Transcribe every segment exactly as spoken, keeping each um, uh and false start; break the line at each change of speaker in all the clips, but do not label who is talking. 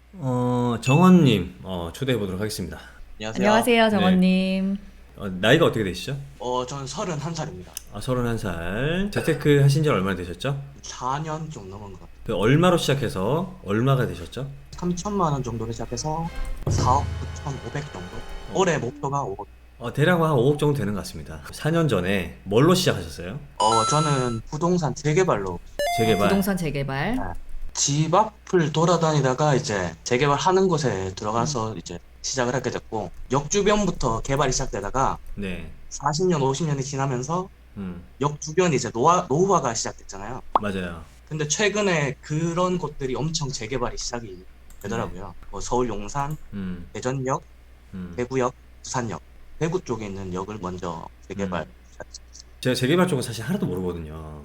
어, 정원님, 어, 초대해 보도록 하겠습니다.
안녕하세요.
안녕하세요,
네.
정원님.
어, 나이가 어떻게 되시죠?
어, 저는 서른한 살입니다.
아, 서른한 살. 재테크 하신 지 얼마나 되셨죠?
사 년 좀 넘은 것 같아요.
그 얼마로 시작해서 얼마가 되셨죠?
삼천만 원 정도로 시작해서 사억 구천오백 정도? 올해 목표가 오억.
어, 대략 한 오억 정도 되는 것 같습니다. 사 년 전에 뭘로 시작하셨어요?
어, 저는 부동산 재개발로
어,
재개발.
부동산 재개발.
네. 집 앞을 돌아다니다가 이제 재개발하는 곳에
음.
들어가서 이제 시작을 하게 됐고, 역 주변부터 개발이 시작되다가
네.
사십 년, 오십 년이 지나면서
음,
역 주변이 이제 노화, 노후화가 시작됐잖아요.
맞아요.
근데 최근에 그런 곳들이 엄청 재개발이 시작이
네.
되더라고요. 뭐 서울 용산,
음,
대전역,
음,
대구역, 부산역, 대구 쪽에 있는 역을 먼저 재개발.
음. 제가 재개발 쪽은 사실 하나도 모르거든요.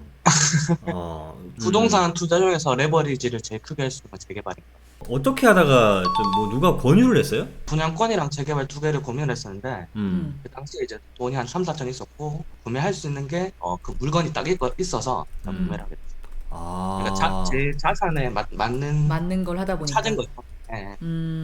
어, 음,
부동산 투자 중에서 레버리지를 제일 크게 할 수 있는 재개발입니다.
어떻게 하다가 좀 뭐 누가 권유를 했어요?
분양권이랑 재개발 두 개를 고민을 했었는데
음,
음.
그 당시에 이제 돈이 한 삼, 사천 있었고 구매할 수 있는 게 어, 그 물건이 딱 있, 있어서
음.
구매를 하게 됐어요. 그러니까 자,
아,
제 자산에 맞, 맞는
맞는 걸 하다
찾은
보니까.
거죠. 예.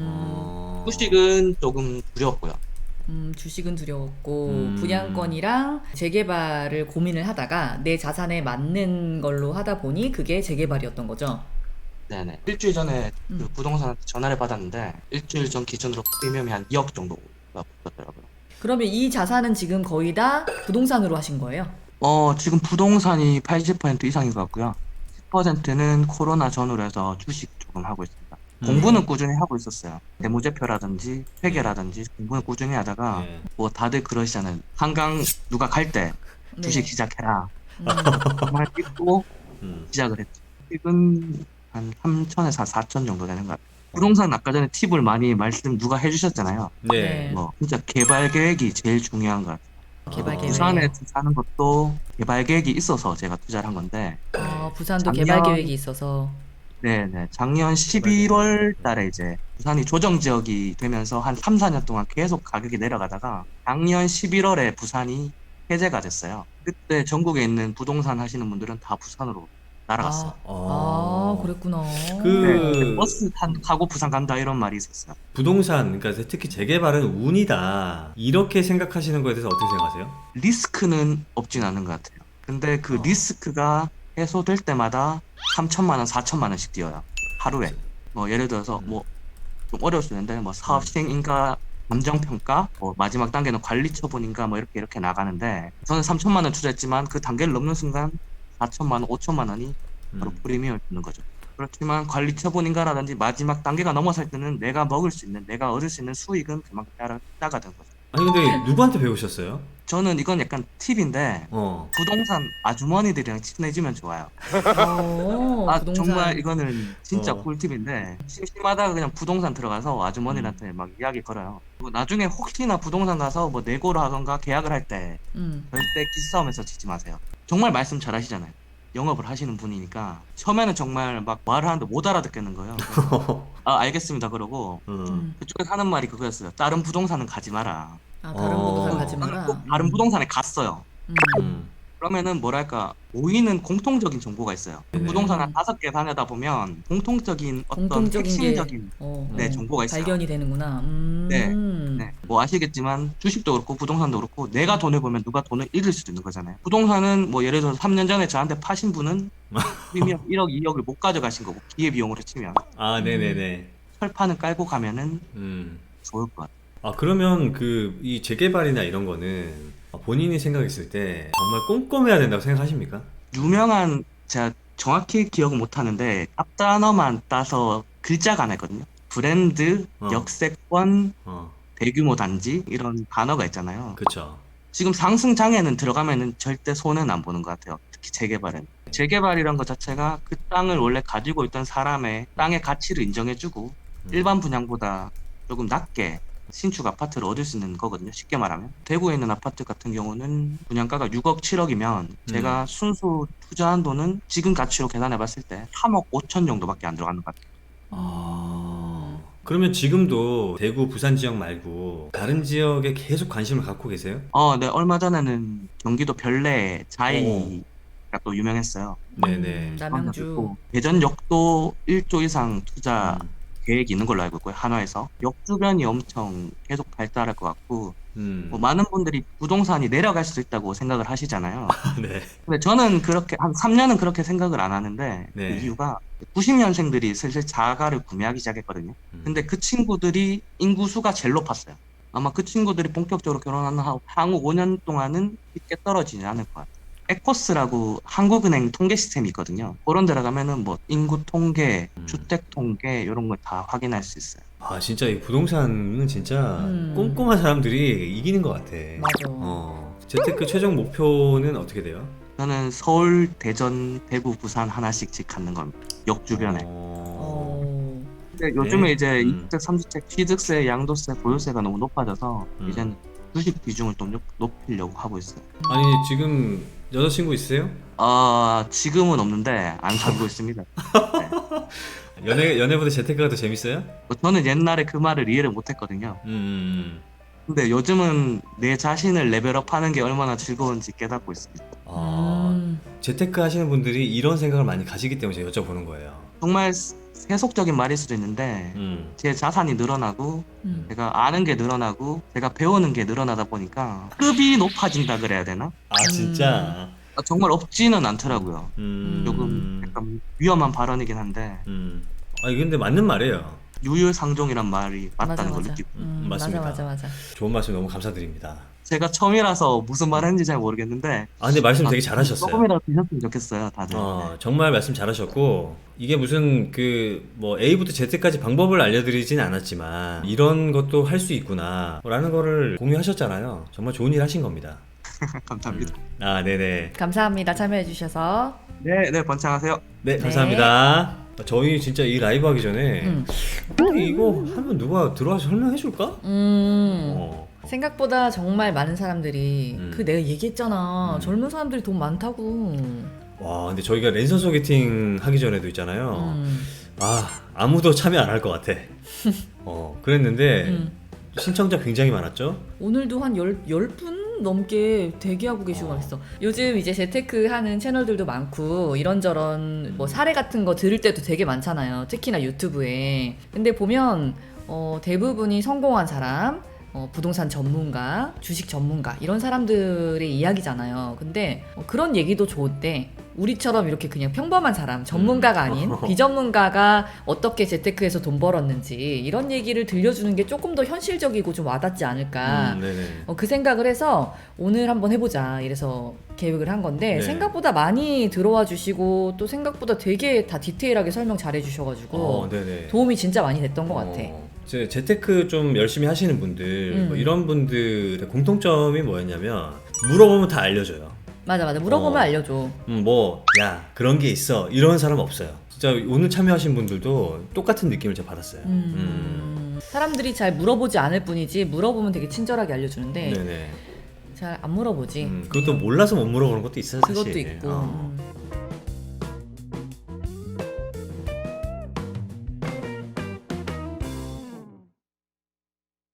음,
어,
주식은 조금 두려웠고요.
음, 주식은 두려웠고,
음,
분양권이랑 재개발을 고민을 하다가 내 자산에 맞는 걸로 하다 보니 그게 재개발이었던 거죠.
네네. 일주일 전에 그
음.
부동산한테 전화를 받았는데 일주일 전 기준으로 프리미엄이 한 이억 정도가 붙었더라고요.
그러면 이 자산은 지금 거의 다 부동산으로 하신 거예요?
어, 지금 부동산이 팔십 퍼센트 이상인 것 같고요. 십 퍼센트는 코로나 전후로 해서 주식 조금 하고 있습니다. 공부는
음,
네.
꾸준히 하고 있었어요. 재무제표라든지
네,
회계라든지 공부는 꾸준히 하다가
네.
뭐 다들 그러시잖아요. 한강 누가 갈 때 주식
네.
시작해라.
음.
그 말 믿고
음,
시작을 했죠. 주식은 한 삼천에서 사천 정도 되는 것 같아요.
어,
부동산 아까 전에 팁을 많이 말씀 누가 해주셨잖아요.
네.
네.
뭐 진짜 개발 계획이 제일 중요한 것 같아요.
개발
뭐
아,
부산에
계획.
투자하는 것도 개발 계획이 있어서 제가 투자를 한 건데
어,
네.
부산도 개발
작년
계획이 있어서.
네네 작년
개발 계획.
십일월
음,
달에 이제 부산이 조정 지역이 되면서 한 삼, 사 년 동안 계속 가격이 내려가다가 작년 십일월에 부산이 해제가 됐어요. 그때 전국에 있는 부동산 하시는 분들은 다 부산으로 날아갔어요.
아, 아,
어,
그랬구나.
네, 그때
그,
버스 탄, 타고 부산 간다 이런 말이 있었어요.
부동산, 그러니까 특히 재개발은 운이다. 이렇게 생각하시는 거에 대해서 어떻게 생각하세요?
리스크는 없진 않은 것 같아요. 근데 그
어,
리스크가 해소될 때마다 삼천만 원, 사천만 원씩 뛰어요. 하루에. 뭐 예를 들어서
음,
뭐 좀 어려울 수 있는데 뭐 사업
음,
시행인가 감정평가, 뭐 마지막 단계는 관리 처분인가 뭐 이렇게 이렇게 나가는데 저는 삼천만 원 투자했지만 그 단계를 넘는 순간 사천만 원, 오천만 원이 바로
음.
프리미엄을 주는 거죠. 그렇지만 관리 처분인가라든지 마지막 단계가 넘어설 때는 내가 먹을 수 있는, 내가 얻을 수 있는 수익은 그만큼 따라 따가는 거죠.
아니, 근데 누구한테 배우셨어요?
저는 이건 약간 팁인데
어,
부동산 아주머니들이랑 친해지면 좋아요.
어,
아, 정말
부동산.
이거는 진짜
어,
꿀팁인데, 심심하다가 그냥 부동산 들어가서
음,
아주머니한테 막 이야기 걸어요. 뭐 나중에 혹시나 부동산 가서 뭐 내고를 하던가 계약을 할 때
음.
절대 기싸움에서 지지 마세요. 정말 말씀 잘 하시잖아요. 영업을 하시는 분이니까. 처음에는 정말 막 말을 하는데 못 알아듣겠는 거예요. 그래서, 아, 알겠습니다. 그러고,
음,
음.
그쪽에서 하는 말이 그거였어요. 다른 부동산은 가지 마라.
아, 다른 부동산
그래서
가지
어,
저는 꼭
마라.
다른
음.
부동산에 갔어요.
음.
음,
그러면은 뭐랄까 모이는 공통적인 정보가 있어요.
네네.
부동산 한
음.
다섯 개 다니다 보면 공통적인 어떤
공통적인 게,
핵심적인
어,
네,
음,
어,
정보가 있어요.
발견이 되는구나.
네.
음.
네. 뭐 아시겠지만 주식도 그렇고 부동산도 그렇고 내가
음.
돈을 벌면 누가 돈을 잃을 수도 있는 거잖아요. 부동산은 뭐 예를 들어서 삼 년 전에 저한테 파신 분은 프리미엄 일억, 이억을 못 가져가신 거고 기회비용으로 치면
아,
음.
네네네.
철판을 깔고 가면은
음.
좋을 것 같아요.
아, 그러면 그, 이 재개발이나 이런 거는 본인이 생각했을 때 정말 꼼꼼해야 된다고 생각하십니까?
유명한 제가 정확히 기억은 못 하는데 앞 단어만 따서 글자가 하나 있거든요. 브랜드,
어,
역세권,
어,
대규모 단지 이런 단어가 있잖아요.
그쵸.
지금 상승 장에는 들어가면은 절대 손해는 안 보는 것 같아요. 특히 재개발은. 재개발이란 것 자체가 그 땅을 원래 가지고 있던 사람의 땅의 가치를 인정해주고
음,
일반 분양보다 조금 낮게 신축 아파트를 얻을 수 있는 거거든요. 쉽게 말하면. 대구에 있는 아파트 같은 경우는 분양가가 육억, 칠억이면
음.
제가 순수 투자한 돈은 지금 가치로 계산해 봤을 때 삼억 오천 정도밖에 안 들어가는 것 같아요.
음.
아, 그러면 지금도 대구, 부산 지역 말고 다른 지역에 계속 관심을 갖고 계세요?
어, 네, 얼마 전에는 경기도 별내
어,
자이가 또 유명했어요.
음.
네네.
그런 데도
남양주.
있고 대전역도 일 조 이상 투자
음.
계획이 있는 걸로 알고 있고요. 한화에서 역 주변이 엄청 계속 발달할 것 같고
음.
뭐 많은 분들이 부동산이 내려갈 수 있다고 생각을 하시잖아요.
네.
근데 저는 그렇게 한 삼 년은 그렇게 생각을 안 하는데
네.
그 이유가 구십 년생들이 슬슬 자가를 구매하기 시작했거든요.
음.
근데 그 친구들이 인구수가 제일 높았어요. 아마 그 친구들이 본격적으로 결혼하는 하- 향후 오 년 동안은 쉽게 떨어지지 않을 것 같아요. 에코스라고 한국은행 통계 시스템이 있거든요. 그런 데 들어가면은 뭐 인구 통계,
음.
주택 통계 이런 걸 다 확인할 수 있어요.
아 진짜 이 부동산은 진짜
음.
꼼꼼한 사람들이 이기는 것 같아.
맞아.
어. 재테크 최종 목표는 어떻게 돼요?
저는 서울, 대전, 대구, 부산 하나씩 집 갖는 겁니다. 역 주변에.
어.
어.
근데 요즘에
네.
이제
음.
이주택, 삼주택, 취득세, 양도세, 보유세가 너무 높아져서
음.
이제는 주식 비중을 좀 높- 높이려고 하고 있어요.
아니 지금 여자친구 있으세요?
아 지금은 없는데 안 사귀고 있습니다. 네.
연애 연애보다 재테크가 더 재밌어요?
뭐 저는 옛날에 그 말을 이해를 못했거든요.
음, 음.
근데 요즘은 내 자신을 레벨업하는 게 얼마나 즐거운지 깨닫고 있습니다.
아
음.
재테크 하시는 분들이 이런 생각을 많이 가지기 때문에 제가 여쭤보는 거예요.
정말 세- 세속적인 말일 수도 있는데
음.
제 자산이 늘어나고
음.
제가 아는 게 늘어나고 제가 배우는 게 늘어나다 보니까 급이 높아진다 그래야 되나?
아 진짜.
아, 정말 없지는 않더라고요.
음.
조금 약간 위험한 발언이긴 한데
음. 아니 근데 맞는 말이에요.
유유상종이란 말이 맞다는
맞아
걸
맞아.
느끼고
음,
맞습니다.
맞아 맞아 맞아.
좋은 말씀 너무 감사드립니다.
제가 처음이라서 무슨 말 했는지 잘 모르겠는데
아 근데 말씀
아,
되게 잘하셨어요.
조금이라도 드셨으면 좋겠어요 다들.
어, 정말 말씀 잘하셨고 이게 무슨 그 뭐 A부터 Z까지 방법을 알려드리진 않았지만 이런 것도 할 수 있구나 라는 거를 공유하셨잖아요. 정말 좋은 일 하신 겁니다.
감사합니다.
음. 아 네네.
감사합니다. 참여해 주셔서.
네, 네 번창하세요.
네
네.
감사합니다. 저희 진짜 이 라이브 하기 전에
음.
근데 이거 하면 누가 들어와서 설명해 줄까?
음.
어.
생각보다 정말 많은 사람들이
음.
그 내가 얘기했잖아.
음.
젊은 사람들이 돈 많다고.
와 근데 저희가 랜선 소개팅 하기 전에도 있잖아요.
음.
아 아무도 참여 안 할 것 같아. 어 그랬는데
음.
신청자 굉장히 많았죠.
오늘도 한 열, 열 분 넘게 대기하고 계시고
어.
그랬어. 요즘 이제 재테크 하는 채널들도 많고 이런저런 뭐 사례 같은 거 들을 때도 되게 많잖아요. 특히나 유튜브에. 근데 보면 어, 대부분이 성공한 사람, 어, 부동산 전문가, 주식 전문가 이런 사람들의 이야기잖아요. 근데 어, 그런 얘기도 좋은데 우리처럼 이렇게 그냥 평범한 사람, 전문가가 아닌 비전문가가 어떻게 재테크에서 돈 벌었는지 이런 얘기를 들려주는 게 조금 더 현실적이고 좀 와닿지 않을까.
음, 네네.
어, 그 생각을 해서 오늘 한번 해보자 이래서 계획을 한 건데
네.
생각보다 많이 들어와 주시고 또 생각보다 되게 다 디테일하게 설명 잘해 주셔가지고
어, 네네.
도움이 진짜 많이 됐던 것 같아.
어, 제 재테크 좀 열심히 하시는 분들
음.
뭐 이런 분들의 공통점이 뭐였냐면 물어보면 다 알려줘요.
맞아 맞아 물어보면
어.
알려줘.
음, 뭐, 야, 그런 게 있어. 이런 사람 없어요. 진짜 오늘 참여하신 분들도 똑같은 느낌을 제가 받았어요.
음. 사람들이 잘 물어보지 않을 뿐이지 물어보면 되게 친절하게 알려주는데
네네.
잘 안 물어보지.
음, 그것도 몰라서 못 물어보는 것도 있어요, 사실.
그것도 있고.
어.
음.